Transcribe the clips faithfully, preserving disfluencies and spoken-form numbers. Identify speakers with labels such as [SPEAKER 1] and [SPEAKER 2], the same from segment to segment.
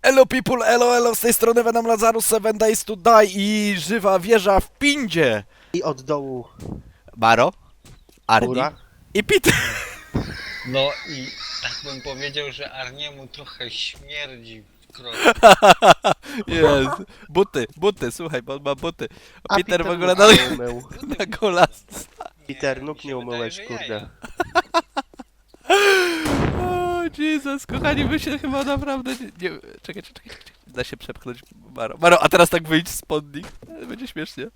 [SPEAKER 1] Elo people, elo elo, z tej strony Venom Lazarus, Seven Days to Die i żywa wieża w Pindzie.
[SPEAKER 2] I od dołu
[SPEAKER 1] Baro, Arni
[SPEAKER 2] góra.
[SPEAKER 1] i Peter.
[SPEAKER 3] No i tak bym powiedział, że Arniemu trochę śmierdzi w kroku.
[SPEAKER 1] Jest. Buty, buty, słuchaj, bo on ma buty.
[SPEAKER 2] A
[SPEAKER 1] Peter w ogóle na,
[SPEAKER 2] nóg nie umył.
[SPEAKER 1] na golas.
[SPEAKER 2] Peter,
[SPEAKER 3] mi
[SPEAKER 2] nóg
[SPEAKER 3] się
[SPEAKER 2] nie
[SPEAKER 3] wydaje,
[SPEAKER 2] umyłeś,
[SPEAKER 3] że
[SPEAKER 2] kurde.
[SPEAKER 3] jaja.
[SPEAKER 1] O, Jesus, kochani, my się chyba naprawdę nie... nie czekaj, czekaj, czekaj, da się przepchnąć Baro. Baro, a teraz tak wyjdź spod nich. Będzie śmiesznie.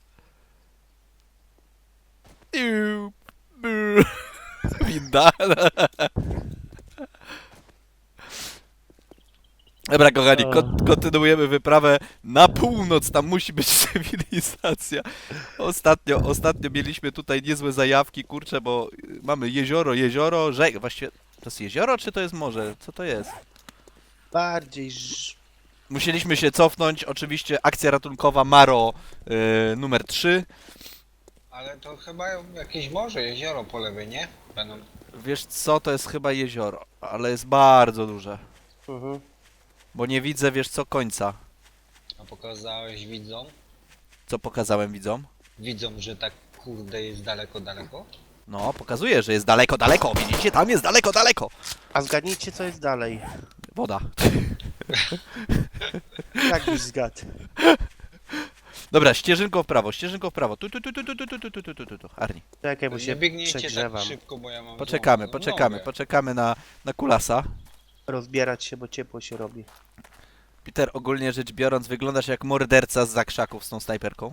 [SPEAKER 1] Iu, bu. Winda. Dobra, kochani, kon kontynuujemy wyprawę na północ, tam musi być cywilizacja. Ostatnio, ostatnio mieliśmy tutaj niezłe zajawki, kurczę, bo mamy jezioro, jezioro, rzek, właściwie to jest jezioro, czy to jest morze? Co to jest?
[SPEAKER 2] Bardziej ż...
[SPEAKER 1] Musieliśmy się cofnąć, oczywiście akcja ratunkowa Maro yy, numer trzy.
[SPEAKER 3] Ale to chyba jakieś morze, jezioro po lewej, nie? Będą.
[SPEAKER 1] Wiesz co, to jest chyba jezioro, ale jest bardzo duże,
[SPEAKER 2] Mhm.
[SPEAKER 1] bo nie widzę, wiesz co, końca.
[SPEAKER 3] A pokazałeś widzom?
[SPEAKER 1] Co pokazałem widzom?
[SPEAKER 3] Widzom, że tak kurde jest daleko, daleko?
[SPEAKER 1] No, pokazuje, że jest daleko, daleko, widzicie, tam jest daleko, daleko.
[SPEAKER 2] A zgadnijcie, co jest dalej.
[SPEAKER 1] Woda.
[SPEAKER 2] Tak byś zgadł.
[SPEAKER 1] Dobra, ścieżynką w prawo, ścieżynką w prawo. Tu, tu, tu, tu, tu, tu, tu, tu, tu, tu, tu, tu. Arni.
[SPEAKER 2] Czekaj, bo
[SPEAKER 3] Nie
[SPEAKER 2] się
[SPEAKER 3] biegniecie
[SPEAKER 2] przegrzewam.
[SPEAKER 3] tak szybko, bo ja mam
[SPEAKER 1] Poczekamy,
[SPEAKER 3] złamaną
[SPEAKER 1] poczekamy,
[SPEAKER 3] nogę.
[SPEAKER 1] poczekamy na, na kulasa.
[SPEAKER 2] Rozbierać się, bo ciepło się robi.
[SPEAKER 1] Peter, ogólnie rzecz biorąc, wyglądasz jak morderca z zakrzaków z tą snajperką.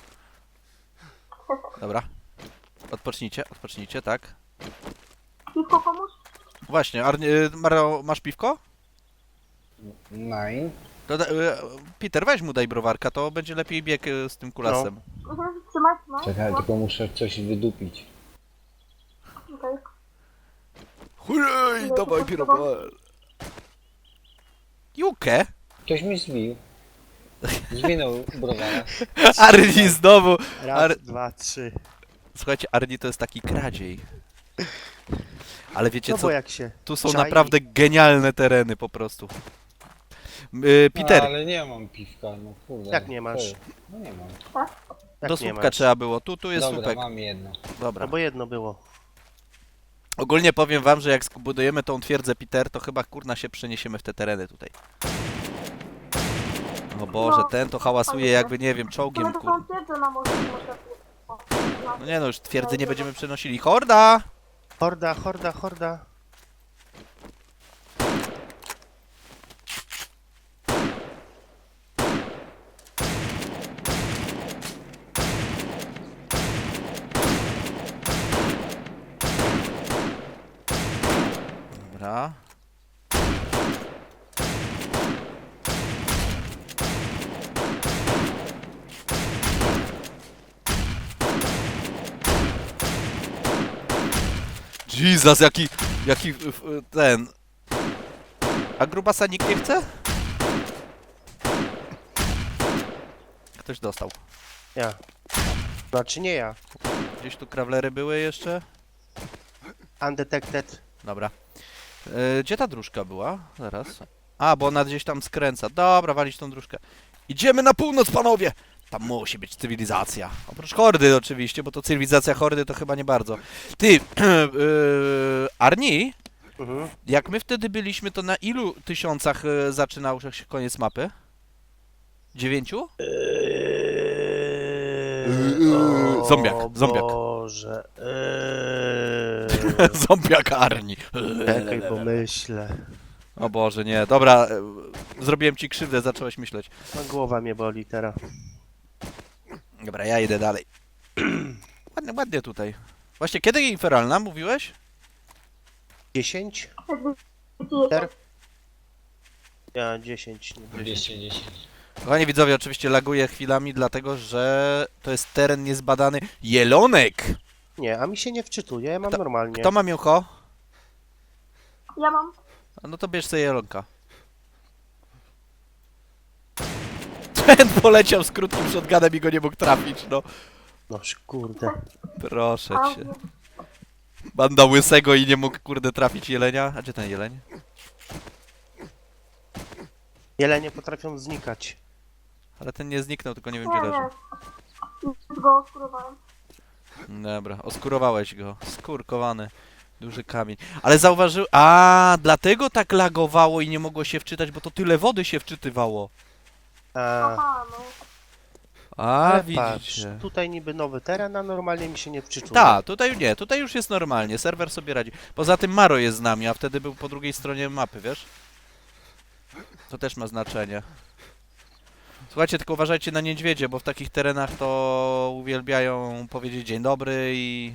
[SPEAKER 1] Dobra. Odpocznijcie, odpocznijcie, tak.
[SPEAKER 4] Piwko komuś?
[SPEAKER 1] Właśnie, Arni, y, Maro, masz piwko?
[SPEAKER 3] Nine.
[SPEAKER 1] To, da- y, Peter, weź mu daj browarka, to będzie lepiej bieg y, z tym kulasem.
[SPEAKER 4] Mhm, trzymać, no.
[SPEAKER 3] Czekaj, tylko muszę coś wydupić.
[SPEAKER 4] Okej.
[SPEAKER 1] Hurray,
[SPEAKER 4] No,
[SPEAKER 1] dawaj
[SPEAKER 4] to
[SPEAKER 1] pirowal. Jukę?
[SPEAKER 3] Ktoś mi zbił. Zwinął browara.
[SPEAKER 1] Arni znowu.
[SPEAKER 2] Raz,
[SPEAKER 1] Ar-
[SPEAKER 2] dwa, trzy.
[SPEAKER 1] Słuchajcie, Arni to jest taki kradziej. Ale wiecie
[SPEAKER 2] No
[SPEAKER 1] co?
[SPEAKER 2] bo jak się
[SPEAKER 1] Tu są
[SPEAKER 2] czai.
[SPEAKER 1] naprawdę genialne tereny po prostu. Yy, Peter,
[SPEAKER 3] No, ale nie mam piwka, no kurde.
[SPEAKER 2] Jak nie masz?
[SPEAKER 3] Ty. No nie mam.
[SPEAKER 2] Jak
[SPEAKER 1] do
[SPEAKER 2] nie
[SPEAKER 1] słupka
[SPEAKER 2] masz?
[SPEAKER 1] trzeba było. Tu, tu jest
[SPEAKER 3] Dobra,
[SPEAKER 1] słupek.
[SPEAKER 3] mam jedno.
[SPEAKER 1] Dobra.
[SPEAKER 2] No bo jedno było.
[SPEAKER 1] Ogólnie powiem wam, że jak zbudujemy tą twierdzę Peter, to chyba kurna się przeniesiemy w te tereny tutaj. O Boże,
[SPEAKER 4] No,
[SPEAKER 1] ten to hałasuje jakby, nie wiem, czołgiem,
[SPEAKER 4] Ale to
[SPEAKER 1] kur...
[SPEAKER 4] są twierdze na morzu, może
[SPEAKER 1] No nie no, już twierdzy nie będziemy przenosili. Horda!
[SPEAKER 2] Horda, horda, horda.
[SPEAKER 1] Dobra. Jesus, jaki, jaki, f- f- ten... A grubasa nikt nie chce? Ktoś dostał.
[SPEAKER 2] Ja. Znaczy nie ja.
[SPEAKER 1] Gdzieś tu krawlery były jeszcze?
[SPEAKER 2] Undetected.
[SPEAKER 1] Dobra. E, gdzie ta dróżka była? Zaraz. A, bo ona gdzieś tam skręca. Dobra, walić tą dróżkę. Idziemy na północ, panowie! Tam musi być cywilizacja. Oprócz hordy oczywiście, bo to cywilizacja hordy to chyba nie bardzo. Ty, yy, Arni,
[SPEAKER 2] Mhm.
[SPEAKER 1] jak my wtedy byliśmy, to na ilu tysiącach e, zaczynał się koniec mapy? Dziewięciu?
[SPEAKER 2] Eee, o
[SPEAKER 1] Zombiak, zombiak.
[SPEAKER 2] Boże. Eee.
[SPEAKER 1] Zombiak Arni.
[SPEAKER 2] Czekaj, bo myślę.
[SPEAKER 1] O Boże, nie. Dobra, e, zrobiłem ci krzywdę, zacząłeś myśleć.
[SPEAKER 2] No, głowa mnie boli teraz.
[SPEAKER 1] Dobra, ja idę dalej. Ładnie, ładnie tutaj. Właśnie, kiedy infernalna, mówiłeś?
[SPEAKER 2] dziesięć?
[SPEAKER 4] Ter...
[SPEAKER 2] Ja dziesięć. nie dziesięć.
[SPEAKER 3] dwieście dziesięć.
[SPEAKER 1] Kochani widzowie, oczywiście laguję chwilami, dlatego że to jest teren niezbadany. Jelonek!
[SPEAKER 2] Nie, a mi się nie wczytuje, ja mam
[SPEAKER 1] Kto-
[SPEAKER 2] normalnie.
[SPEAKER 1] Kto ma mięcho?
[SPEAKER 4] Ja mam.
[SPEAKER 1] A no to bierz sobie jelonka. Ten poleciał z krótkim shotgunem i go nie mógł trafić, no.
[SPEAKER 2] No kurde.
[SPEAKER 1] Proszę
[SPEAKER 4] A,
[SPEAKER 1] cię. Banda łysego i nie mógł, kurde, trafić jelenia. A gdzie ten jeleń?
[SPEAKER 2] Jelenie potrafią znikać.
[SPEAKER 1] Ale ten nie zniknął, tylko nie wiem
[SPEAKER 4] Nie,
[SPEAKER 1] gdzie leży.
[SPEAKER 4] nie. Już go oskurowałem.
[SPEAKER 1] Dobra, oskurowałeś go. Skurkowany. Duży kamień. Ale zauważył... A, dlatego tak lagowało i nie mogło się wczytać, bo to tyle wody się wczytywało.
[SPEAKER 2] A,
[SPEAKER 4] Aha, no.
[SPEAKER 1] A,
[SPEAKER 2] ale patrz,
[SPEAKER 1] widzicie.
[SPEAKER 2] tutaj niby nowy teren, a normalnie mi się nie wczytuje.
[SPEAKER 1] Tak, tutaj nie, tutaj już jest normalnie, serwer sobie radzi. Poza tym Maro jest z nami, a wtedy był po drugiej stronie mapy, wiesz? To też ma znaczenie. Słuchajcie, tylko uważajcie na niedźwiedzie, bo w takich terenach to uwielbiają powiedzieć dzień dobry i...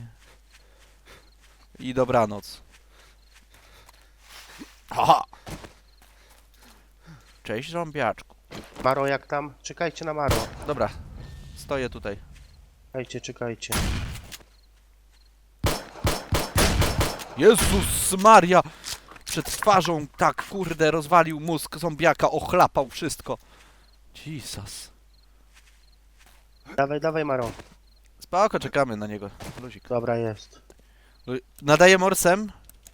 [SPEAKER 1] i dobranoc. Aha! Cześć, zombiaczku.
[SPEAKER 2] Maro, jak tam? Czekajcie na Maro.
[SPEAKER 1] Dobra, stoję tutaj.
[SPEAKER 2] Czekajcie, czekajcie.
[SPEAKER 1] Jezus Maria! Przed twarzą tak, kurde, rozwalił mózg zombiaka, ochlapał wszystko. Jesus.
[SPEAKER 2] Dawaj, dawaj, Maro.
[SPEAKER 1] Spoko, czekamy na niego. Luzik.
[SPEAKER 2] Dobra, jest.
[SPEAKER 1] Lu- Nadaję morsem?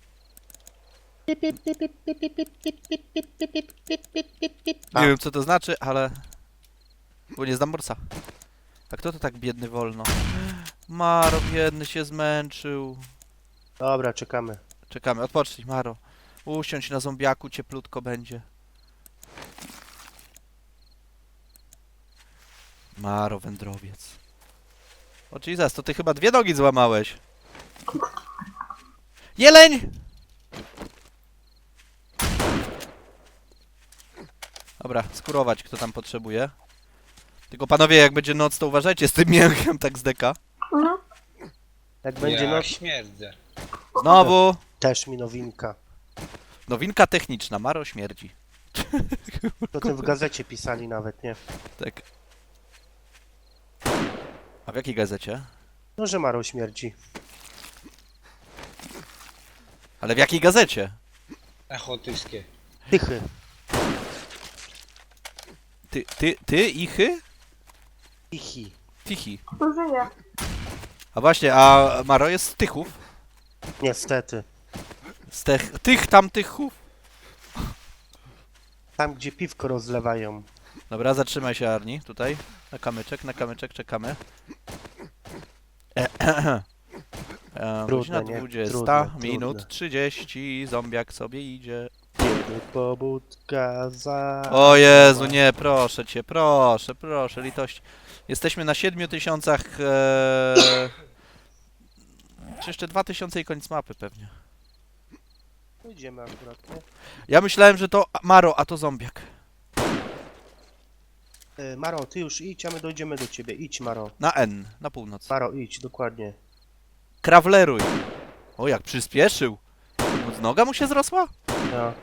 [SPEAKER 1] Nie
[SPEAKER 2] A.
[SPEAKER 1] wiem co to znaczy, ale... Bo nie znam morsa. A kto to tak biedny wolno? Maro, biedny się zmęczył.
[SPEAKER 2] Dobra, czekamy.
[SPEAKER 1] Czekamy, odpocznij Maro. Usiądź na zombiaku, cieplutko będzie. Maro, wędrowiec. O Jesus, to ty chyba dwie nogi złamałeś. Jeleń! Dobra, skurować kto tam potrzebuje. Tylko panowie, jak będzie noc, to uważajcie z tym mięchem tak z deka.
[SPEAKER 4] Mhm.
[SPEAKER 2] Jak będzie
[SPEAKER 3] Ja
[SPEAKER 2] noc,
[SPEAKER 3] śmierdzę.
[SPEAKER 1] Znowu!
[SPEAKER 2] też mi nowinka.
[SPEAKER 1] Nowinka techniczna, Maro śmierdzi.
[SPEAKER 2] O tym w gazecie pisali nawet, nie?
[SPEAKER 1] Tak. A w jakiej gazecie?
[SPEAKER 2] No, że Maro śmierdzi.
[SPEAKER 1] Ale w jakiej gazecie?
[SPEAKER 3] Echo tyskie.
[SPEAKER 2] Tychy.
[SPEAKER 1] Ty, ty, ty, ichy?
[SPEAKER 2] Tichy.
[SPEAKER 1] Tichy.
[SPEAKER 4] Tu żyje.
[SPEAKER 1] A właśnie, a Maro jest z Tychów?
[SPEAKER 2] Niestety.
[SPEAKER 1] Z tych, tych tam Tychów?
[SPEAKER 2] Tam, gdzie piwko rozlewają.
[SPEAKER 1] Dobra, zatrzymaj się Arni, tutaj. Na kamyczek, na kamyczek, czekamy. E,
[SPEAKER 2] Trudne,
[SPEAKER 1] godzina
[SPEAKER 2] nie?
[SPEAKER 1] dwudziesta
[SPEAKER 2] Trudne,
[SPEAKER 1] minut
[SPEAKER 2] trudne.
[SPEAKER 1] trzydzieści, zombiak sobie idzie.
[SPEAKER 2] Kiedy pobudka za...
[SPEAKER 1] O Jezu, nie, proszę cię, proszę, proszę, litość. Jesteśmy na siedmiu tysiącach... E... Czy jeszcze dwa tysiące i koniec mapy pewnie.
[SPEAKER 2] Idziemy akurat, nie?
[SPEAKER 1] Ja myślałem, że to Maro, a to zombiak.
[SPEAKER 2] Y, Maro, ty już idź, a my dojdziemy do ciebie. Idź, Maro.
[SPEAKER 1] Na N, na północ.
[SPEAKER 2] Maro, idź, dokładnie.
[SPEAKER 1] Krawleruj. O, jak przyspieszył. Noga mu się zrosła?
[SPEAKER 2] No.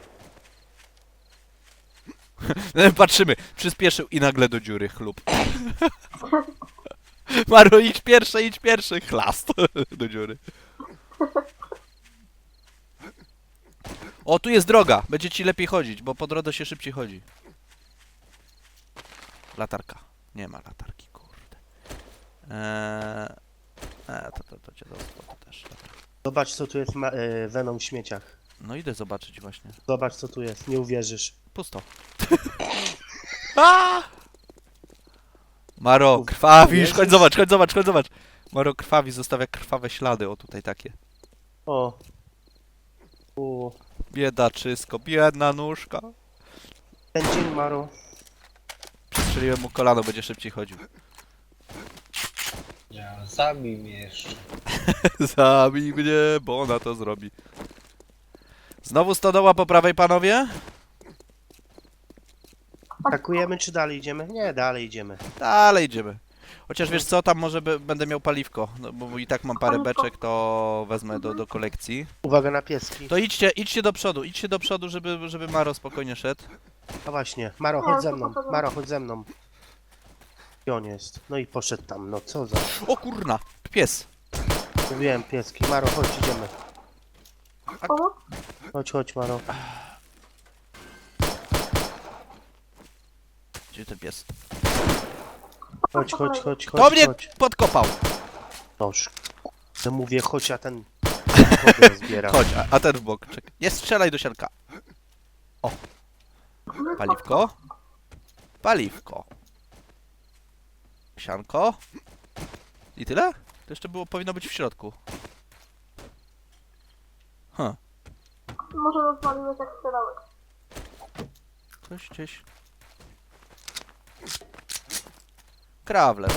[SPEAKER 1] Patrzymy, przyspieszył i nagle do dziury, chlub. Maro, idź pierwszy, idź pierwszy, chlast do dziury. O, tu jest droga, będzie ci lepiej chodzić, bo po drodze się szybciej chodzi. Latarka. Nie ma latarki, kurde. Eee, e, to, to, to cię dostło, to też. Dobra.
[SPEAKER 2] Zobacz, co tu jest ma- y, Venom w śmieciach.
[SPEAKER 1] No idę zobaczyć właśnie.
[SPEAKER 2] Zobacz, co tu jest. Nie uwierzysz.
[SPEAKER 1] Pusto. A! Maro, krwawisz, chodź zobacz, chodź zobacz, chodź zobacz. Maro krwawi, zostawia krwawe ślady, o tutaj takie.
[SPEAKER 2] O. U.
[SPEAKER 1] Biedaczysko, biedna nóżka.
[SPEAKER 2] Ten dzień, Maro.
[SPEAKER 1] Przestrzeliłem mu kolano, będzie szybciej chodził.
[SPEAKER 3] Ja, zabij mnie jeszcze.
[SPEAKER 1] Zabij mnie, bo ona to zrobi. Znowu stodoła po prawej, panowie?
[SPEAKER 2] Atakujemy, czy dalej idziemy? Nie, dalej idziemy.
[SPEAKER 1] Dalej idziemy. Chociaż wiesz co, tam może be- będę miał paliwko, no, bo i tak mam parę beczek, to wezmę do, do kolekcji.
[SPEAKER 2] Uwaga na pieski.
[SPEAKER 1] To idźcie, idźcie do przodu, idźcie do przodu, żeby, żeby Maro spokojnie szedł.
[SPEAKER 2] A właśnie. Maro,
[SPEAKER 4] Nie,
[SPEAKER 2] chodź
[SPEAKER 4] to
[SPEAKER 2] ze mną.
[SPEAKER 4] poszedłem.
[SPEAKER 2] Maro, chodź ze mną. I on jest. No i poszedł tam. No co za...
[SPEAKER 1] O kurna, pies.
[SPEAKER 2] Mówiłem, pieski. Maro, chodź, idziemy.
[SPEAKER 4] Pomóc?
[SPEAKER 2] Chodź, chodź, Maro.
[SPEAKER 1] Gdzie ten pies?
[SPEAKER 2] Chodź, chodź, chodź, chodź,
[SPEAKER 1] To mnie
[SPEAKER 2] chodź.
[SPEAKER 1] podkopał.
[SPEAKER 2] Noż. To mówię, chodź, a ten... Kogo zbiera.
[SPEAKER 1] Chodź, a, a ten w bok, czekaj. Nie strzelaj do sianka. O. Paliwko. Paliwko. Sianko. I tyle? To jeszcze było, powinno być w środku. Huh.
[SPEAKER 4] Może rozwaliłeś jak strzelałeś.
[SPEAKER 1] Coś gdzieś. Krawler.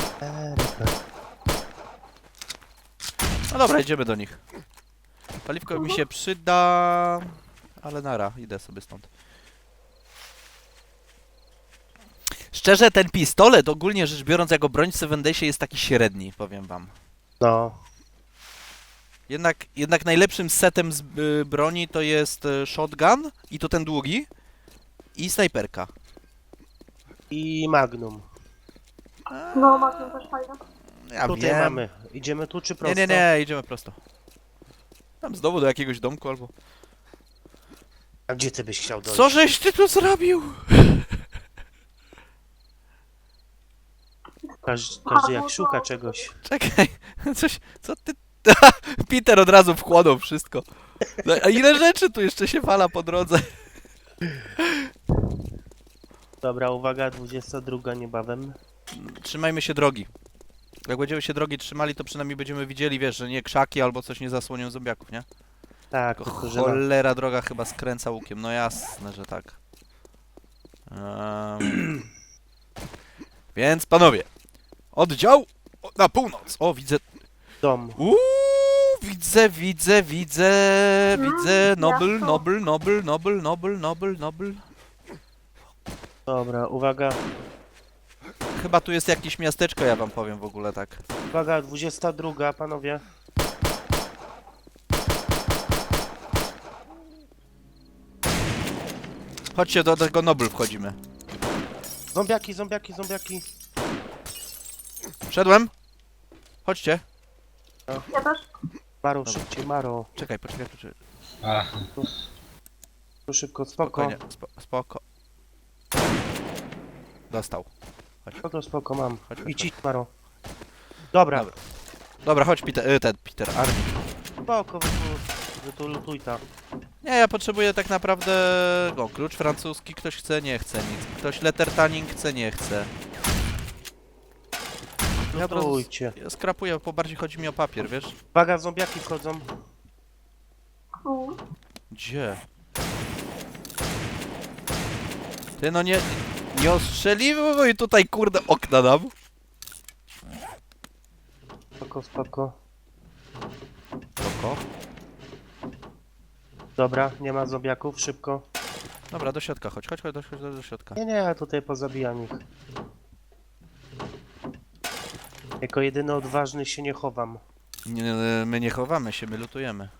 [SPEAKER 1] No dobra, idziemy do nich. Paliwko mi się przyda, ale nara, idę sobie stąd. Szczerze, ten pistolet, ogólnie rzecz biorąc, jako broń w Seven Daysie jest taki średni, powiem wam.
[SPEAKER 2] No.
[SPEAKER 1] Jednak, jednak najlepszym setem z y, broni to jest y, shotgun, i to ten długi, i snajperka.
[SPEAKER 2] I Magnum.
[SPEAKER 4] No, Magnum też fajne.
[SPEAKER 1] Ja
[SPEAKER 2] Tutaj
[SPEAKER 1] wiem.
[SPEAKER 2] mamy. Idziemy tu czy
[SPEAKER 1] Nie,
[SPEAKER 2] prosto?
[SPEAKER 1] nie, nie, idziemy prosto. Tam znowu do jakiegoś domku albo...
[SPEAKER 2] A gdzie ty byś chciał dojść?
[SPEAKER 1] Co żeś ty tu zrobił?
[SPEAKER 2] Każdy, każdy jak szuka czegoś.
[SPEAKER 1] Czekaj, coś, co ty... Peter od razu wchłonął wszystko. No, a ile rzeczy tu jeszcze się wala po drodze?
[SPEAKER 2] Dobra, uwaga, dwudziesta druga niebawem.
[SPEAKER 1] Trzymajmy się drogi. Jak będziemy się drogi trzymali, to przynajmniej będziemy widzieli, wiesz, że nie krzaki albo coś nie zasłonią zombiaków, nie?
[SPEAKER 2] Tak,
[SPEAKER 1] Tylko
[SPEAKER 2] tylko że na...
[SPEAKER 1] cholera droga chyba skręca łukiem, no jasne, że tak. Em, Więc panowie, oddział o, na północ. O, widzę,
[SPEAKER 2] dom.
[SPEAKER 1] uuu, widzę, widzę, widzę, widzę, nobel,
[SPEAKER 4] miasto.
[SPEAKER 1] nobel, nobel, nobel, nobel, nobel, nobel.
[SPEAKER 2] Dobra, uwaga.
[SPEAKER 1] Chyba tu jest jakieś miasteczko, ja wam powiem w ogóle tak.
[SPEAKER 2] Uwaga, dwudziesta druga, panowie.
[SPEAKER 1] Chodźcie, do tego Nobel wchodzimy.
[SPEAKER 2] Zombiaki, zombiaki, zombiaki.
[SPEAKER 1] Wszedłem? Chodźcie.
[SPEAKER 4] Ja też.
[SPEAKER 2] Maro, szybciej, Maro.
[SPEAKER 1] Czekaj, poczekaj, poczekaj.
[SPEAKER 3] Aha.
[SPEAKER 2] Tu szybko, spoko.
[SPEAKER 1] Spokojnie, spo, spoko. Dostał.
[SPEAKER 2] Spoko, spoko, mam.
[SPEAKER 1] Chodź, chodź,
[SPEAKER 2] Idź, idź, Maro. Dobra,
[SPEAKER 1] Dobra. Dobra, chodź Peter, y, ten Peter, Armin.
[SPEAKER 2] spoko, wy tu, wy tu lutuj ta.
[SPEAKER 1] Nie, ja potrzebuję tak naprawdę... O, klucz francuski, ktoś chce, nie chce nic. Ktoś lettertaning chce, nie chce. Ja od razu
[SPEAKER 2] Lutujcie.
[SPEAKER 1] ja skrapuję, bo bardziej chodzi mi o papier, wiesz?
[SPEAKER 2] Uwaga, zombiaki wchodzą.
[SPEAKER 4] U.
[SPEAKER 1] Gdzie? Ty no nie... Nie ostrzeliwuj tutaj kurde okna nam.
[SPEAKER 2] Spoko, spoko.
[SPEAKER 1] Spoko.
[SPEAKER 2] Dobra, nie ma zombiaków, szybko.
[SPEAKER 1] Dobra, do środka chodź, chodź, chodź do, chodź do środka.
[SPEAKER 2] Nie, nie, ja tutaj pozabijam ich. Jako jedyny odważny się nie chowam.
[SPEAKER 1] Nie, nie, my nie chowamy się, my lutujemy.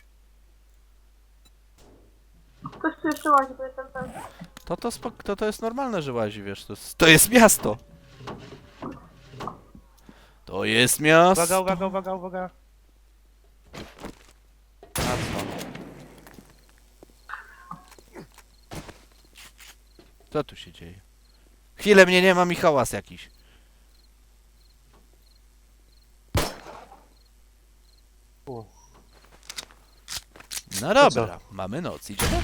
[SPEAKER 4] Ktoś tu jeszcze łazi, bo jestem ten.
[SPEAKER 1] To to, spok- to to jest normalne, że łazi, wiesz, to jest, to jest miasto. To jest miasto.
[SPEAKER 2] Uwaga, uwaga, uwaga, uwaga.
[SPEAKER 1] A co? Co tu się dzieje? Chwilę mnie nie ma, mi hałas jakiś.
[SPEAKER 2] U.
[SPEAKER 1] No
[SPEAKER 2] To
[SPEAKER 1] dobra, mamy noc, idziemy?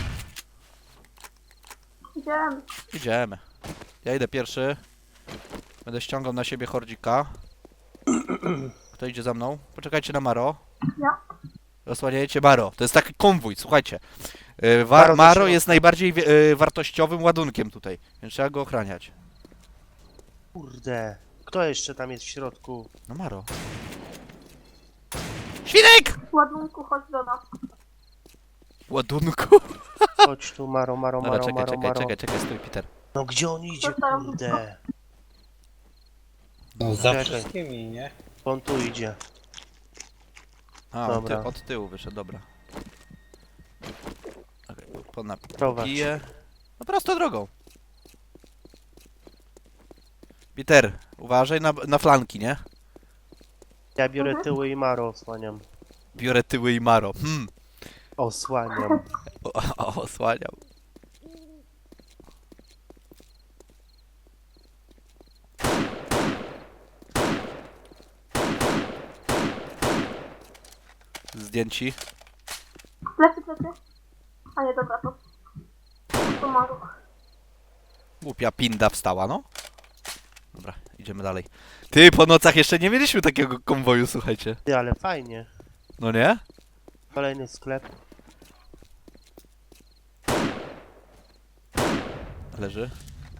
[SPEAKER 4] Idziemy.
[SPEAKER 1] Idziemy. Ja idę pierwszy. Będę ściągał na siebie hordzika. Kto idzie za mną? Poczekajcie na Maro.
[SPEAKER 4] Ja.
[SPEAKER 1] Osłaniajcie Maro. To jest taki konwój, słuchajcie. Yy, wa-
[SPEAKER 2] Maro do
[SPEAKER 1] Maro
[SPEAKER 2] środka.
[SPEAKER 1] jest najbardziej wi- yy, wartościowym ładunkiem tutaj, więc trzeba go ochraniać.
[SPEAKER 2] Kurde. Kto jeszcze tam jest w środku?
[SPEAKER 1] No Maro. Świnek!
[SPEAKER 4] Ładunku, chodź do nas.
[SPEAKER 1] Ładunku.
[SPEAKER 2] Chodź tu, Maro, Maro,
[SPEAKER 1] Dobra,
[SPEAKER 2] Maro,
[SPEAKER 1] czekaj,
[SPEAKER 2] Maro,
[SPEAKER 1] czekaj,
[SPEAKER 2] Maro.
[SPEAKER 1] czekaj, czekaj, stój Peter.
[SPEAKER 2] No gdzie on idzie,
[SPEAKER 4] Zostałem.
[SPEAKER 2] kurde?
[SPEAKER 3] No za
[SPEAKER 2] Czekaj.
[SPEAKER 3] wszystkimi, nie?
[SPEAKER 2] On tu idzie.
[SPEAKER 1] A, on ty,
[SPEAKER 2] Dobra.
[SPEAKER 1] od tyłu wyszedł, dobra. Okej, okay,
[SPEAKER 2] Prowadź.
[SPEAKER 1] Piję. No prosto drogą. Peter, uważaj na, na flanki, nie?
[SPEAKER 2] Ja biorę
[SPEAKER 4] Mhm.
[SPEAKER 2] tyły i Maro osłaniam.
[SPEAKER 1] Biorę tyły i Maro. Hmm.
[SPEAKER 2] Osłaniam.
[SPEAKER 1] O, o, osłaniam. Zdjęci.
[SPEAKER 4] Plecy, plecy. A nie, dobra, to... To maru.
[SPEAKER 1] Głupia pinda wstała, no. Dobra, idziemy dalej. Ty, po nocach jeszcze nie mieliśmy takiego konwoju, słuchajcie.
[SPEAKER 2] Ty, ale fajnie.
[SPEAKER 1] No nie?
[SPEAKER 2] Kolejny sklep.
[SPEAKER 1] Leży.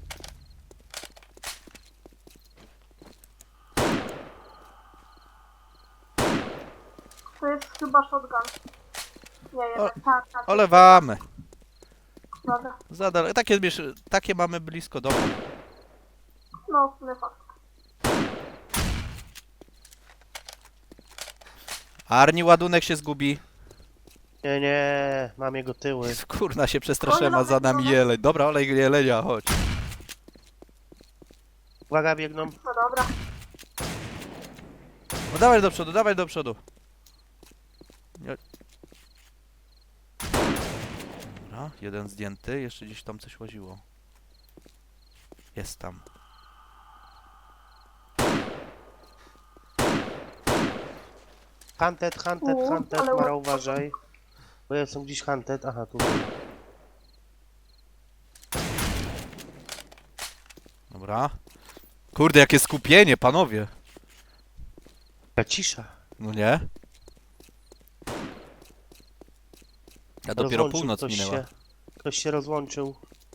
[SPEAKER 4] To jest chyba shotgun. Nie, jednak. Tak, tak.
[SPEAKER 1] Olewamy.
[SPEAKER 4] Dobra.
[SPEAKER 1] Zadal, takie, miesz- takie mamy blisko domu.
[SPEAKER 4] No, w sumie fakt.
[SPEAKER 1] Arni, ładunek się zgubi.
[SPEAKER 2] Nie, nie, mam jego tyły.
[SPEAKER 1] Kurna, się przestraszyłem, a za nami jeleń. Dobra, olej jelenia, chodź.
[SPEAKER 2] Uwaga, biegną.
[SPEAKER 4] No dobra.
[SPEAKER 1] No dawaj do przodu, dawaj do przodu. Nie- Dobra, jeden zdjęty, jeszcze gdzieś tam coś łaziło. Jest tam.
[SPEAKER 2] Hunted, hunted,
[SPEAKER 4] U,
[SPEAKER 2] hunted,
[SPEAKER 4] ale
[SPEAKER 2] Mara,
[SPEAKER 4] ładnie.
[SPEAKER 2] uważaj. Bo ja są gdzieś hunted. Aha, tutaj.
[SPEAKER 1] Dobra. Kurde, jakie skupienie, panowie.
[SPEAKER 2] Ta cisza.
[SPEAKER 1] No nie? A dopiero
[SPEAKER 2] Rozłączył
[SPEAKER 1] północ
[SPEAKER 2] ktoś
[SPEAKER 1] minęła.
[SPEAKER 2] Się, ktoś się rozłączył.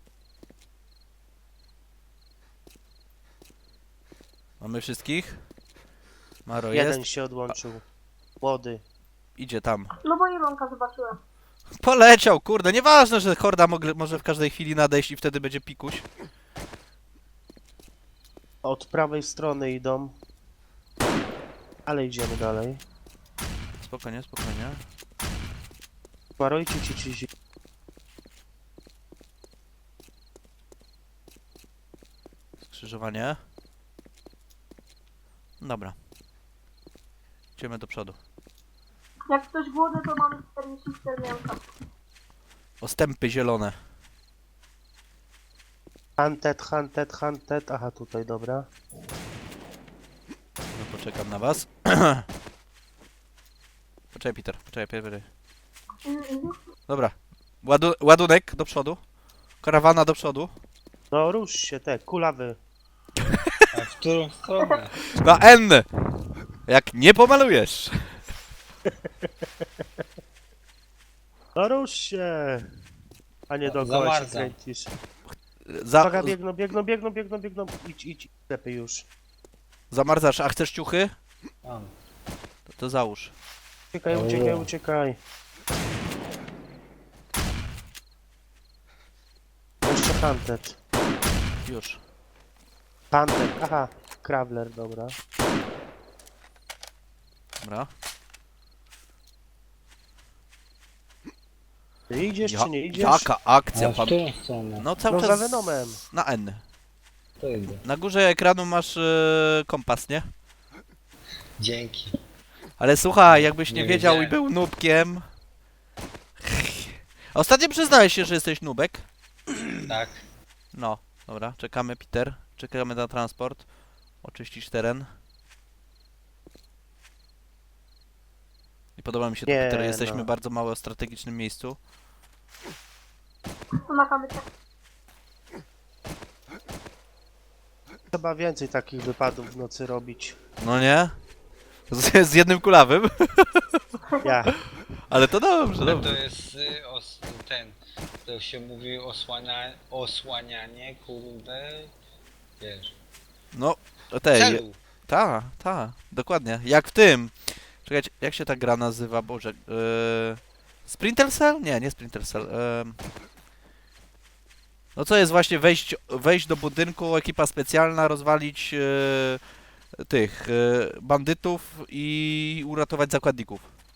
[SPEAKER 1] Mamy wszystkich? Maro
[SPEAKER 2] Jeden
[SPEAKER 1] jest?
[SPEAKER 2] się odłączył. Młody.
[SPEAKER 1] Idzie tam.
[SPEAKER 4] No bo Ilonka zobaczyłem.
[SPEAKER 1] Poleciał, kurde, nieważne, że horda mogle, może w każdej chwili nadejść i wtedy będzie pikuś.
[SPEAKER 2] Od prawej strony idą. Ale idziemy dalej.
[SPEAKER 1] Spokojnie, spokojnie.
[SPEAKER 2] Maro, ci, ci, ci, ci.
[SPEAKER 1] Skrzyżowanie. Dobra. Idziemy do przodu.
[SPEAKER 4] Jak ktoś głodny, to mamy czterdzieści cztery mięsa.
[SPEAKER 1] Ostępy zielone.
[SPEAKER 2] Hunted, hunted, hunted. Aha, tutaj, dobra.
[SPEAKER 1] No poczekam na was. Poczekaj, Peter, poczekaj, Peter.
[SPEAKER 4] Mhm, mhm.
[SPEAKER 1] Dobra. Ładu ładunek do przodu. Karawana do przodu.
[SPEAKER 2] No rusz się, te, kulawy.
[SPEAKER 3] A w którą stronę?
[SPEAKER 1] Na N! Jak nie pomalujesz.
[SPEAKER 2] No rusz się. A nie dookoła się
[SPEAKER 3] Zamarza.
[SPEAKER 2] kręcisz.
[SPEAKER 1] Za
[SPEAKER 2] Uwaga, biegną, biegną, biegną, biegną, biegną. Idź, idź, lepiej już.
[SPEAKER 1] zamarzasz, a chcesz ciuchy?
[SPEAKER 3] Mam.
[SPEAKER 1] To, to załóż.
[SPEAKER 2] Uciekaj, uciekaj, uciekaj. Jeszcze hunted.
[SPEAKER 1] Już.
[SPEAKER 2] Hunted, aha. Krawler, dobra.
[SPEAKER 1] Dobra.
[SPEAKER 2] Ty idziesz
[SPEAKER 1] Ja,
[SPEAKER 2] czy nie idziesz?
[SPEAKER 1] jaka akcja,
[SPEAKER 3] A w
[SPEAKER 1] pan.
[SPEAKER 3] którą stronę?
[SPEAKER 1] No cały
[SPEAKER 2] No za
[SPEAKER 1] czas
[SPEAKER 2] Venomem.
[SPEAKER 1] na N.
[SPEAKER 3] To idę.
[SPEAKER 1] Na górze ekranu masz e, kompas, nie?
[SPEAKER 3] Dzięki.
[SPEAKER 1] Ale słuchaj, jakbyś nie
[SPEAKER 3] Nie
[SPEAKER 1] wiedział i
[SPEAKER 3] wiedziałem.
[SPEAKER 1] był nubkiem. Ostatnio przyznałeś się, że jesteś nubek.
[SPEAKER 3] Tak.
[SPEAKER 1] No, dobra, czekamy, Peter. Czekamy na transport. Oczyścić teren. I podoba mi się to,
[SPEAKER 2] Nie,
[SPEAKER 1] Peter. Jesteśmy
[SPEAKER 2] no.
[SPEAKER 1] bardzo mało w strategicznym miejscu.
[SPEAKER 4] Tu na kamycie.
[SPEAKER 2] Trzeba więcej takich wypadów w nocy robić.
[SPEAKER 1] No nie? Z, z jednym kulawym.
[SPEAKER 2] Ja.
[SPEAKER 1] Ale to dobrze,
[SPEAKER 3] To
[SPEAKER 1] dobrze.
[SPEAKER 3] jest y, os, ten, to się mówi osłania, osłanianie, kurde, wiesz,
[SPEAKER 1] No, tej.
[SPEAKER 3] celu.
[SPEAKER 1] Ta, ta, dokładnie. Jak w tym. Czekajcie, jak się ta gra nazywa? Boże. Yy... Splinter Cell? Nie, nie Splinter Cell. Yy... No co jest właśnie wejść, wejść do budynku, ekipa specjalna, rozwalić yy, tych yy, bandytów i uratować zakładników.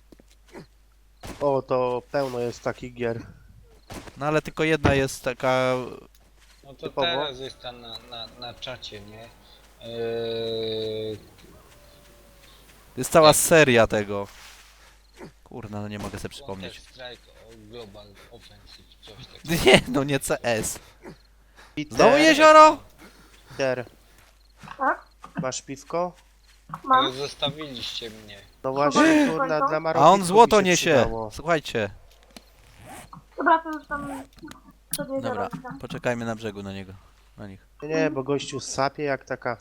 [SPEAKER 2] O, to pełno jest takich gier.
[SPEAKER 1] No ale tylko jedna jest taka.
[SPEAKER 3] No to
[SPEAKER 2] Typowo.
[SPEAKER 3] teraz jest tam na, na, na czacie, nie? Yy,
[SPEAKER 1] Jest cała seria tego. Kurna, no nie mogę sobie przypomnieć.
[SPEAKER 3] Counter Strike o Global Offensive, coś takiego.
[SPEAKER 1] Nie, no nie C S.
[SPEAKER 2] Peter,
[SPEAKER 1] Znowu jezioro?
[SPEAKER 2] Peter,
[SPEAKER 4] Tak?
[SPEAKER 2] masz piwko?
[SPEAKER 4] Mam.
[SPEAKER 3] Ale zostawiliście mnie.
[SPEAKER 2] No właśnie, kurna, dla
[SPEAKER 1] A
[SPEAKER 2] Marowitków
[SPEAKER 1] on złoto
[SPEAKER 2] by się
[SPEAKER 1] niesie.
[SPEAKER 2] przydało.
[SPEAKER 1] Słuchajcie.
[SPEAKER 4] Dobra, to już tam przed jeziorem.
[SPEAKER 1] Dobra, poczekajmy na brzegu na niego. na nich.
[SPEAKER 2] Nie, bo gościu sapie jak taka...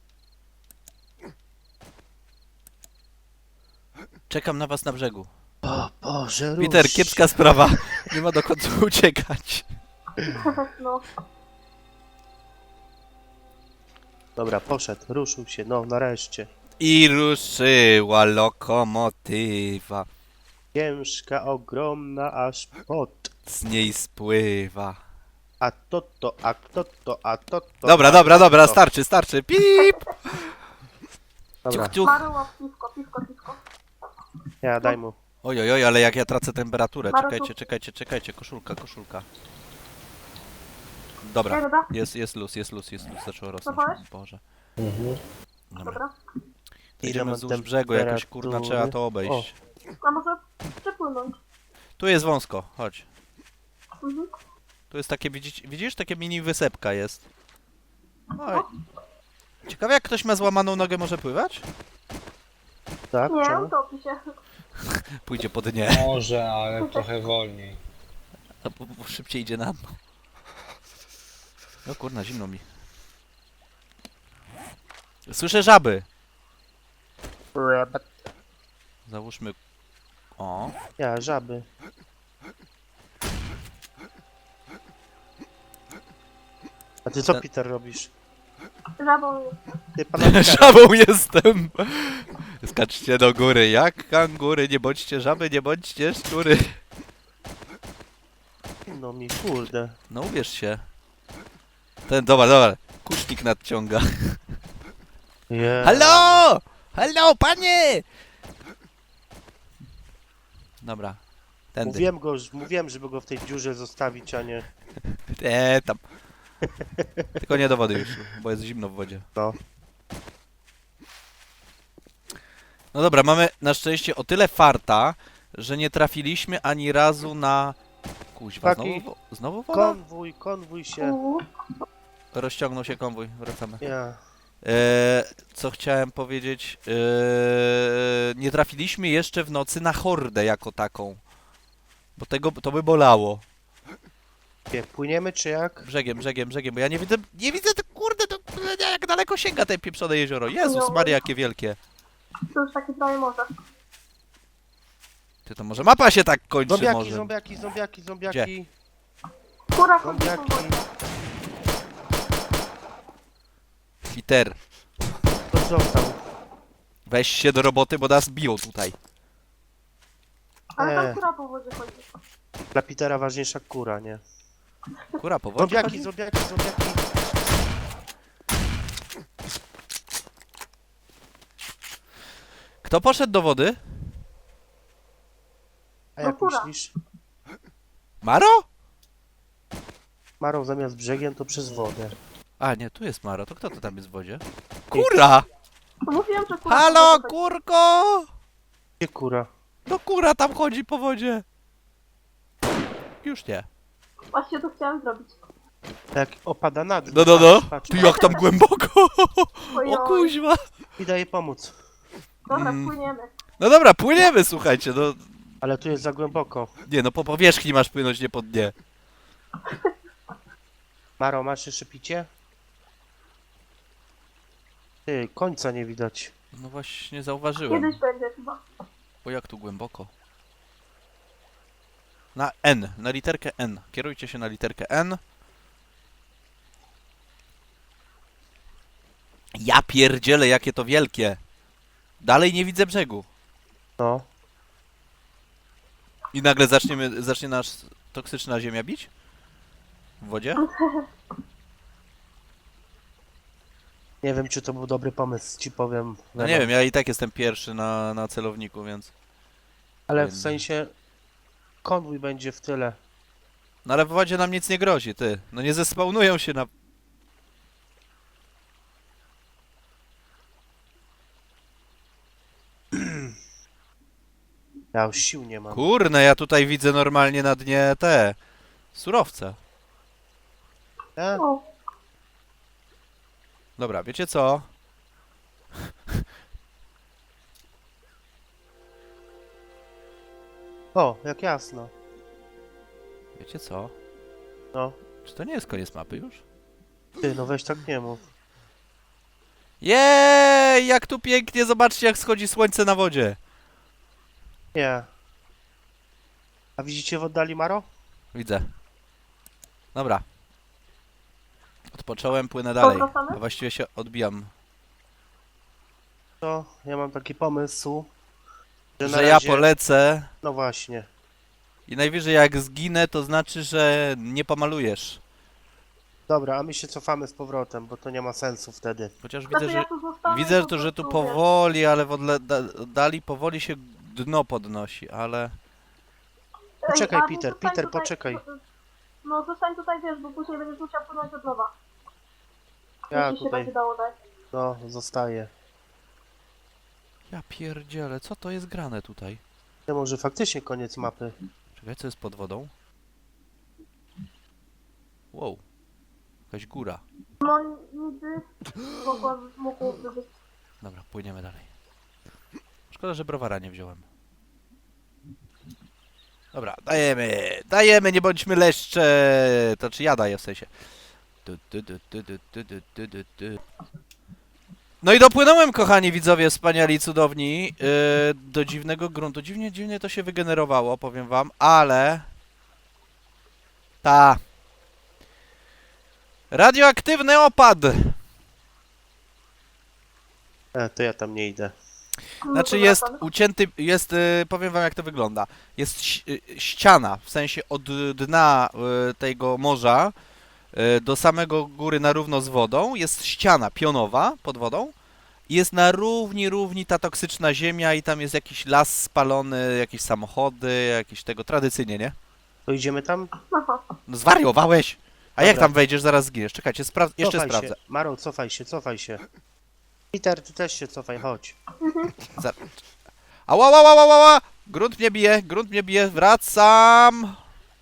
[SPEAKER 1] Czekam na was na brzegu.
[SPEAKER 2] O Boże,
[SPEAKER 1] Peter,
[SPEAKER 2] rusz
[SPEAKER 1] kiepska
[SPEAKER 2] się.
[SPEAKER 1] sprawa. Nie ma dokąd uciekać.
[SPEAKER 4] No.
[SPEAKER 2] Dobra, poszedł, ruszył się, no nareszcie.
[SPEAKER 1] I ruszyła lokomotywa.
[SPEAKER 2] Ciężka, ogromna, aż pot.
[SPEAKER 1] Z niej spływa.
[SPEAKER 2] A to to, a to to, a to to.
[SPEAKER 1] Dobra,
[SPEAKER 2] a
[SPEAKER 1] dobra,
[SPEAKER 2] to
[SPEAKER 1] dobra,
[SPEAKER 2] to.
[SPEAKER 1] starczy, starczy. Pip!
[SPEAKER 2] Dobra,
[SPEAKER 1] Ciuch, ciuch.
[SPEAKER 4] Maruło, piwko, piwko, piwko.
[SPEAKER 2] ja daj mu.
[SPEAKER 1] Oj, oj, oj, ale jak ja tracę temperaturę.
[SPEAKER 4] Maru,
[SPEAKER 1] Czekajcie,
[SPEAKER 4] tu.
[SPEAKER 1] czekajcie, czekajcie. Koszulka, koszulka.
[SPEAKER 4] Ej,
[SPEAKER 1] Dobra,
[SPEAKER 4] dobra,
[SPEAKER 1] jest, jest luz, jest luz, jest luz. Zaczęło rosnąć.
[SPEAKER 4] Zapałeś?
[SPEAKER 1] Boże.
[SPEAKER 2] Mhm.
[SPEAKER 1] Dobra.
[SPEAKER 4] dobra.
[SPEAKER 2] Ile
[SPEAKER 1] Idziemy
[SPEAKER 2] mam
[SPEAKER 1] wzdłuż brzegu, jakoś kurna
[SPEAKER 2] temperatury?
[SPEAKER 1] trzeba to obejść.
[SPEAKER 4] A może przepłynąć?
[SPEAKER 1] Tu jest wąsko, chodź.
[SPEAKER 4] Mhm.
[SPEAKER 1] Tu jest takie, widzisz, widzisz? Takie mini wysepka jest. Oj. Ciekawe jak ktoś ma złamaną nogę może pływać?
[SPEAKER 2] Tak,
[SPEAKER 4] Nie,
[SPEAKER 2] czemu?
[SPEAKER 4] utopi się.
[SPEAKER 1] Pójdzie po dnie.
[SPEAKER 3] Może, ale trochę wolniej.
[SPEAKER 1] A bo, bo szybciej idzie na dno. No kurna, zimno mi. Słyszę żaby. Załóżmy... O.
[SPEAKER 2] Ja, żaby. A ty co,
[SPEAKER 1] Ten-
[SPEAKER 2] Peter, robisz?
[SPEAKER 4] Żabą jest.
[SPEAKER 2] Ty pana
[SPEAKER 1] Żabą jestem! Skaczcie do góry, jak kangury, nie bądźcie żaby, nie bądźcie szczury.
[SPEAKER 2] No mi, kurde.
[SPEAKER 1] No ubierz się. Ten, dobra, dobra. Kusznik nadciąga.
[SPEAKER 2] Yeah.
[SPEAKER 1] Halo! Halo, panie! Dobra. Tędy.
[SPEAKER 2] Mówiłem go, mówiłem, żeby go w tej dziurze zostawić, a nie...
[SPEAKER 1] Eee, tam. Tylko nie do wody już, bo jest zimno w wodzie.
[SPEAKER 2] No.
[SPEAKER 1] No dobra, mamy na szczęście o tyle farta, że nie trafiliśmy ani razu na... Kuźwa,
[SPEAKER 2] Taki
[SPEAKER 1] znowu, wo- znowu woda?
[SPEAKER 2] Konwój, konwój się...
[SPEAKER 4] Uuu.
[SPEAKER 1] Rozciągnął się konwój, wracamy.
[SPEAKER 2] Ja.
[SPEAKER 1] Eee, co chciałem powiedzieć? Eee, nie trafiliśmy jeszcze w nocy na hordę jako taką. Bo tego, to by bolało.
[SPEAKER 2] Nie, płyniemy czy jak?
[SPEAKER 1] Brzegiem, brzegiem, brzegiem, bo ja nie widzę, nie widzę, to kurde, to jak daleko sięga te pieprzone jezioro. Jezus
[SPEAKER 4] No.
[SPEAKER 1] Maria, jakie wielkie.
[SPEAKER 4] To już takie prawie morze.
[SPEAKER 1] Ty, to może mapa się tak kończy
[SPEAKER 2] Zombiaki,
[SPEAKER 1] może.
[SPEAKER 2] zombiaki, zombiaki, zombiaki.
[SPEAKER 4] Kura chodzi po
[SPEAKER 2] Zombiaki.
[SPEAKER 4] wodzie.
[SPEAKER 1] Peter,
[SPEAKER 2] To został.
[SPEAKER 1] weź się do roboty, bo nas biją tutaj.
[SPEAKER 4] Ale
[SPEAKER 2] Nie.
[SPEAKER 4] tam kura po wodzie chodzi.
[SPEAKER 2] Dla Petera ważniejsza kura, nie?
[SPEAKER 1] Kura po wodzie
[SPEAKER 2] Zombiaki,
[SPEAKER 1] chodzi?
[SPEAKER 2] zombiaki, zombiaki.
[SPEAKER 1] Kto poszedł do wody?
[SPEAKER 2] A jak
[SPEAKER 4] No kura.
[SPEAKER 2] myślisz?
[SPEAKER 1] Maro?
[SPEAKER 2] Marą zamiast brzegiem to przez wodę.
[SPEAKER 1] A, nie, tu jest Maro, to kto to tam jest w wodzie? Kura!
[SPEAKER 4] To mówiłem, że kura
[SPEAKER 1] Halo,
[SPEAKER 4] po wodzie chodzi.
[SPEAKER 1] kurko!
[SPEAKER 2] Gdzie kura?
[SPEAKER 1] No kura tam chodzi po wodzie. Już nie.
[SPEAKER 4] Właśnie to chciałem zrobić.
[SPEAKER 2] Jak opada na dół.
[SPEAKER 1] No, no, no.
[SPEAKER 2] Patrz, patrz.
[SPEAKER 1] Ty jak tam głęboko!
[SPEAKER 4] Oj,
[SPEAKER 1] O
[SPEAKER 4] oj.
[SPEAKER 1] kuźwa!
[SPEAKER 2] Idę jej pomóc.
[SPEAKER 4] Dobra,
[SPEAKER 1] Mm.
[SPEAKER 4] płyniemy.
[SPEAKER 1] No dobra, płyniemy, słuchajcie, no...
[SPEAKER 2] Ale tu jest za głęboko.
[SPEAKER 1] Nie, no po powierzchni masz płynąć, nie po dnie.
[SPEAKER 2] Maro, masz jeszcze picie? Ty, końca nie widać.
[SPEAKER 1] No właśnie, zauważyłem.
[SPEAKER 4] Kiedyś będzie chyba.
[SPEAKER 1] O, jak tu głęboko. Na N, na literkę N. Kierujcie się na literkę N. Ja pierdzielę, jakie to wielkie. Dalej nie widzę brzegu.
[SPEAKER 2] No.
[SPEAKER 1] I nagle zaczniemy, zacznie nas toksyczna ziemia bić? W wodzie?
[SPEAKER 2] Nie wiem, czy to był dobry pomysł, ci powiem.
[SPEAKER 1] No nie wiem, ja i tak jestem pierwszy na, na celowniku, więc...
[SPEAKER 2] Ale w sensie konwój będzie w tyle.
[SPEAKER 1] No ale w wodzie nam nic nie grozi, ty. No nie zespawnują się na...
[SPEAKER 2] Ja już sił nie mam.
[SPEAKER 1] Kurne, ja tutaj widzę normalnie na dnie te... surowce.
[SPEAKER 2] E?
[SPEAKER 4] O,
[SPEAKER 1] Dobra, wiecie co?
[SPEAKER 2] O, jak jasno.
[SPEAKER 1] Wiecie co?
[SPEAKER 2] No.
[SPEAKER 1] Czy to nie jest koniec mapy już?
[SPEAKER 2] Ty, no weź tak nie mów.
[SPEAKER 1] Jej, jak tu pięknie, zobaczcie jak schodzi słońce na wodzie.
[SPEAKER 2] Nie. A widzicie w oddali Maro?
[SPEAKER 1] Widzę. Dobra. Odpocząłem, płynę dalej.
[SPEAKER 4] Powracamy?
[SPEAKER 1] A właściwie się odbijam.
[SPEAKER 2] To ja mam taki pomysł, że, na
[SPEAKER 1] Że ja
[SPEAKER 2] razie...
[SPEAKER 1] polecę
[SPEAKER 2] No właśnie.
[SPEAKER 1] i najwyżej jak zginę, to znaczy, że nie pomalujesz.
[SPEAKER 2] Dobra, a my się cofamy z powrotem, bo to nie ma sensu wtedy.
[SPEAKER 1] Chociaż
[SPEAKER 4] Znaczy,
[SPEAKER 1] widzę, że
[SPEAKER 4] ja tu zostanę,
[SPEAKER 1] widzę,
[SPEAKER 4] po
[SPEAKER 1] to, że tu
[SPEAKER 4] prostu, wiesz,
[SPEAKER 1] powoli, ale w odle- da- oddali powoli się dno podnosi, ale...
[SPEAKER 4] Ej,
[SPEAKER 2] Poczekaj,
[SPEAKER 4] Adi,
[SPEAKER 2] Peter,
[SPEAKER 4] zostań
[SPEAKER 2] Peter,
[SPEAKER 4] tutaj-
[SPEAKER 2] poczekaj.
[SPEAKER 4] No zostań tutaj, wiesz, bo później będziesz musiał płynąć od nowa.
[SPEAKER 2] Ja
[SPEAKER 4] Jeśli się
[SPEAKER 2] tutaj,
[SPEAKER 4] będzie dało dać.
[SPEAKER 2] no, zostaję.
[SPEAKER 1] Ja pierdzielę, co to jest grane tutaj?
[SPEAKER 2] To może faktycznie koniec mapy.
[SPEAKER 1] Czekaj, co jest pod wodą? Wow. Jakaś góra.
[SPEAKER 4] No nigdy mogła, mogłoby być.
[SPEAKER 1] Dobra, płyniemy dalej. Szkoda, że browara nie wziąłem. Dobra, dajemy, dajemy, nie bądźmy leszcze. To czy ja daję w sensie. Tu, tu, tu, tu, tu, tu, tu, tu, tu, tu. No i dopłynąłem, kochani widzowie, wspaniali i cudowni, yy, do dziwnego gruntu. Dziwnie, dziwnie to się wygenerowało, powiem wam, ale... Ta. Radioaktywny opad.
[SPEAKER 2] E, to ja tam nie idę.
[SPEAKER 4] No,
[SPEAKER 1] Znaczy
[SPEAKER 4] to
[SPEAKER 1] jest
[SPEAKER 4] wracamy.
[SPEAKER 1] ucięty, jest, y, powiem wam jak to wygląda. Jest ś- y, ściana, w sensie od dna y, tego morza y, do samego góry na równo z wodą, jest ściana pionowa pod wodą i jest na równi, równi ta toksyczna ziemia i tam jest jakiś las spalony, jakieś samochody, jakieś tego, tradycyjnie, nie?
[SPEAKER 2] To idziemy tam?
[SPEAKER 4] Aha.
[SPEAKER 1] No zwariowałeś! A jak
[SPEAKER 2] Dobra.
[SPEAKER 1] tam wejdziesz, zaraz zginiesz. Czekajcie, spra- jeszcze
[SPEAKER 2] Cofaj
[SPEAKER 1] sprawdzę.
[SPEAKER 2] się. Maro, cofaj się, cofaj się. Peter, ty też się cofaj, chodź.
[SPEAKER 1] Za... Ała, ała, ała, ała! Grunt mnie bije, grunt mnie bije, wracam!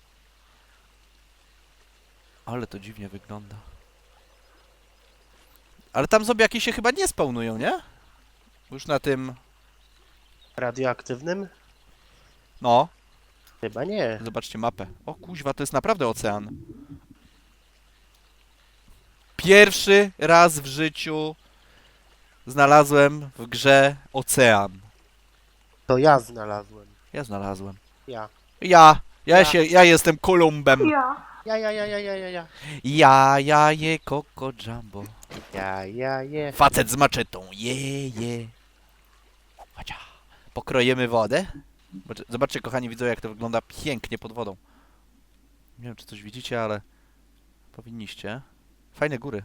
[SPEAKER 1] Ale to dziwnie wygląda. Ale tam zombiaki się chyba nie spawnują, nie? Już na tym...
[SPEAKER 2] Radioaktywnym?
[SPEAKER 1] No,
[SPEAKER 2] Chyba nie.
[SPEAKER 1] zobaczcie mapę. O kuźwa, to jest naprawdę ocean. Pierwszy raz w życiu znalazłem w grze ocean.
[SPEAKER 2] To ja znalazłem.
[SPEAKER 1] Ja znalazłem.
[SPEAKER 2] Ja.
[SPEAKER 1] Ja, ja,
[SPEAKER 2] Ja.
[SPEAKER 1] się, ja jestem Kolumbem.
[SPEAKER 4] Ja.
[SPEAKER 2] Ja, ja, ja, ja, ja, ja, ja.
[SPEAKER 1] Ja, ja je Coco Jumbo.
[SPEAKER 2] Ja, ja, je.
[SPEAKER 1] Facet z maczetą. Je, je. Chociaż. Pokrojemy wodę. Zobaczcie- Zobaczcie, kochani widzowie, jak to wygląda pięknie pod wodą. Nie wiem, czy coś widzicie, ale powinniście. Fajne góry.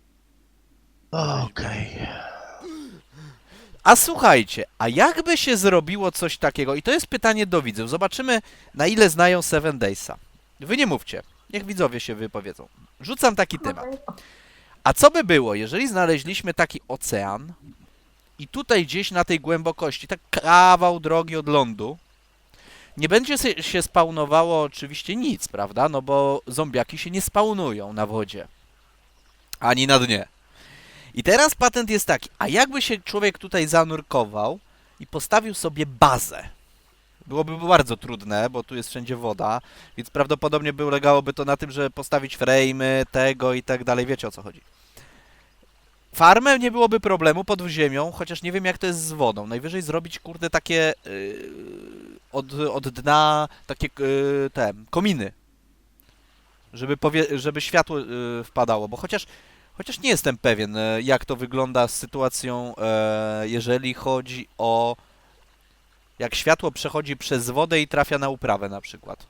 [SPEAKER 2] Okej.
[SPEAKER 1] A słuchajcie, a jakby się zrobiło coś takiego? I to jest pytanie do widzów. Zobaczymy, na ile znają Seven Daysa. Wy nie mówcie. Niech widzowie się wypowiedzą. Rzucam taki temat.
[SPEAKER 4] Okej.
[SPEAKER 1] A co by było, jeżeli znaleźliśmy taki ocean i tutaj gdzieś na tej głębokości, tak kawał drogi od lądu, nie będzie se- się spawnowało oczywiście nic, prawda? No bo zombiaki się nie spawnują na wodzie. Ani na dnie. I teraz patent jest taki, a jakby się człowiek tutaj zanurkował i postawił sobie bazę? Byłoby bardzo trudne, bo tu jest wszędzie woda, więc prawdopodobnie by ulegałoby to na tym, że postawić frame'y, tego i tak dalej, wiecie o co chodzi. Farmę nie byłoby problemu pod ziemią, chociaż nie wiem jak to jest z wodą. Najwyżej zrobić, kurde, takie yy, od, od dna, takie yy, te kominy, żeby, powie, żeby światło yy, wpadało, bo chociaż, chociaż nie jestem pewien, yy, jak to wygląda z sytuacją, yy, jeżeli chodzi o jak światło przechodzi przez wodę i trafia na uprawę na przykład.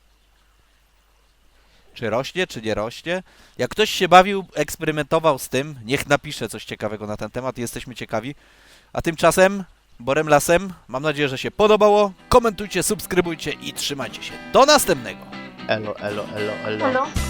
[SPEAKER 1] Czy rośnie, czy nie rośnie? Jak ktoś się bawił, eksperymentował z tym, niech napisze coś ciekawego na ten temat, jesteśmy ciekawi. A tymczasem, Borem Lasem, mam nadzieję, że się podobało. Komentujcie, subskrybujcie i trzymajcie się. Do następnego!
[SPEAKER 2] Elo, elo, elo, elo.
[SPEAKER 4] Hello.